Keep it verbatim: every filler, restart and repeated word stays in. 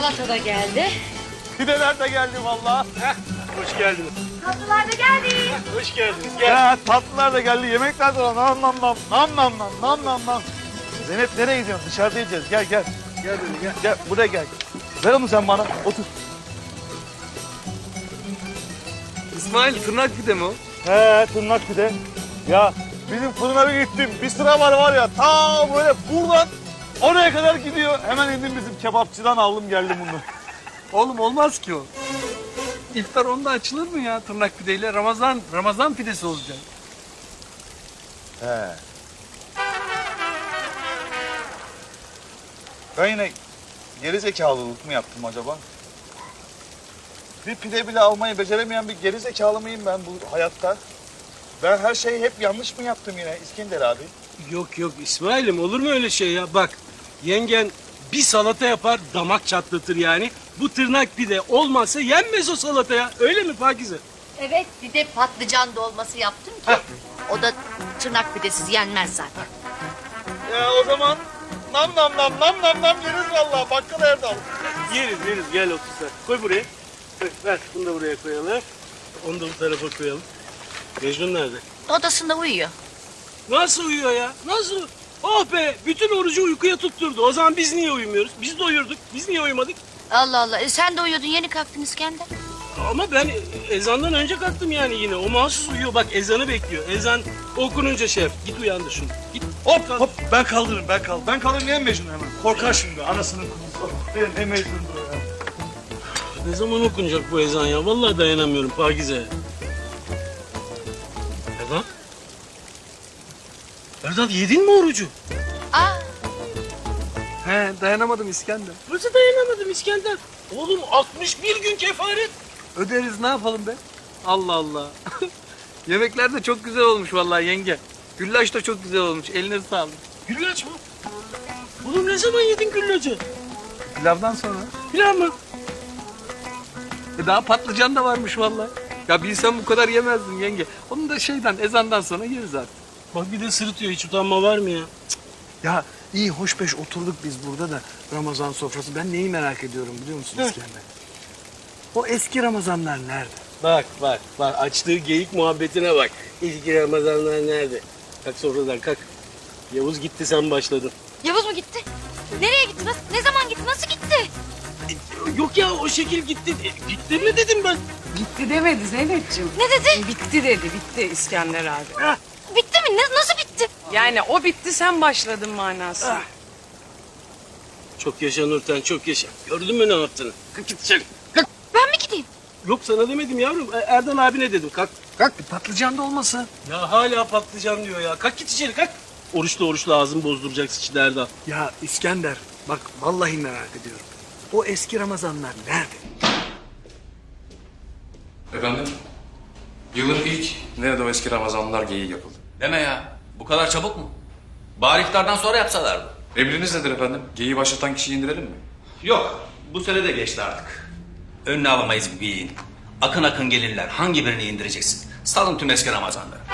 Salata da geldi. Pideler de geldi vallahi. Hoş geldiniz. Tatlılar da geldi. Hoş geldiniz. Gel. Ya tatlılar da geldi. Yemekler de var. Nam nam nam. Nam nam nam. Nam nam nam. Zeynep nereye gidiyorsun? Dışarıda yiyeceğiz. Gel gel. Gel böyle gel. Gel buraya gel. Ver onu sen bana. Otur. İsmail tırnak pide mi o? He tırnak pide. Ya bizim fırına bir gittim. Bir sıra var var ya. Ta böyle buradan oraya kadar gidiyor. Hemen indim bizim kebapçıdan aldım geldim bunu. Oğlum olmaz ki o. İftar onda açılır mı ya tırnak pideyle? Ramazan Ramazan pidesi olacak. He. Ben yine geri zekalılık mı yaptım acaba? Bir pide bile almayı beceremeyen bir geri zekalı mıyım ben bu hayatta? Ben her şeyi hep yanlış mı yaptım yine İskender abi? Yok yok İsmail'im olur mu öyle şey ya? Bak yengen bir salata yapar damak çatlatır yani. Bu tırnak pide olmazsa yenmez o salata ya. Öyle mi Pakize? Evet, bir de patlıcan dolması yaptım ki. O da tırnak pidesiz yenmez zaten. Ya o zaman nam nam nam nam nam nam yeriz vallahi bakkal Erdal. Yeriz yeriz gel otur sen. Koy buraya. Koy, ver bunu da buraya koyalım. Onu da bu tarafa koyalım. Mecnun nerede? Odasında uyuyor. Nasıl uyuyor ya? Nasıl? Oh be bütün orucu uykuya tutturdu. O zaman biz niye uyumuyoruz? Biz de uyurduk. Biz niye uyumadık? Allah Allah, e, sen de uyuyordun, yeni kalktın İskender. Ama ben ezandan önce kalktım yani yine. O mahsus uyuyor. Bak ezanı bekliyor. Ezan okununca şey yap. Git uyandır şunu. Git. Hop hop ben kaldırırım ben kaldırırım. Ben kaldırırım niye Mecnun hemen? Korkar şimdi anasının kuzusu. Ben ne Mecnun'dur o ya. Ne zaman okunacak bu ezan ya? Vallahi dayanamıyorum Pakize. Erdal? Erdal yedin mi orucu? Aa, He dayanamadım İskender. Nasıl dayanamadım İskender? Oğlum altmış bir gün kefaret. Öderiz ne yapalım be? Allah Allah. Yemekler de çok güzel olmuş vallahi yenge. Güllaç da çok güzel olmuş. Eline sağlık. Güllaç mı? Oğlum ne zaman yedin güllacı? Pilavdan sonra. Pilav mı? E daha patlıcan da varmış vallahi. Ya bilsem bu kadar yemezdim yenge. Onu da şeyden ezandan sonra yeriz artık. Bak bir de sırıtıyor. Hiç utanma var mı ya? Ya iyi hoş beş oturduk biz burada da Ramazan sofrası. Ben neyi merak ediyorum biliyor musun İskender? O eski Ramazanlar nerede? Bak bak bak açtığı geyik muhabbetine bak. İlk Ramazanlar nerede? Kalk sofradan kalk. Yavuz gitti sen başladın. Yavuz mu gitti? Nereye gitti? Nasıl, ne zaman gitti? Nasıl gitti? Yok ya o şekil gitti. E, gitti mi dedim ben. Bitti demedi Zeynep'ciğim. Ne dedi? Bitti dedi, bitti İskender abi. Bitti mi? Ne, nasıl bitti? Yani o bitti, sen başladın manası. Çok yaşa Nurten çok yaşa. Gördün mü ne yaptığını? Kalk git içeri. Kalk. Ben mi gideyim? Yok sana demedim yavrum. E, Erdal abine dedim. Kalk. Kalk patlıcan da olmasın. Ya hala patlıcan diyor ya. Kalk git içeri kalk. Oruçlu oruçlu ağzını bozduracaksın şimdi Erdal. Ya İskender bak vallahi merak ediyorum. O eski Ramazanlar nerede? Efendim? Yılın ilk nerede o eski Ramazanlar geyiği yapıldı. Deme ya. Bu kadar çabuk mu? Bari iftardan sonra yapsalardı. Emriniz nedir efendim? Geyiği başlatan kişiyi indirelim mi? Yok. Bu sene de geçti artık. Önüne alamayız bu geyiğin. Akın akın gelirler. Hangi birini indireceksin? Salın tüm eski Ramazanları.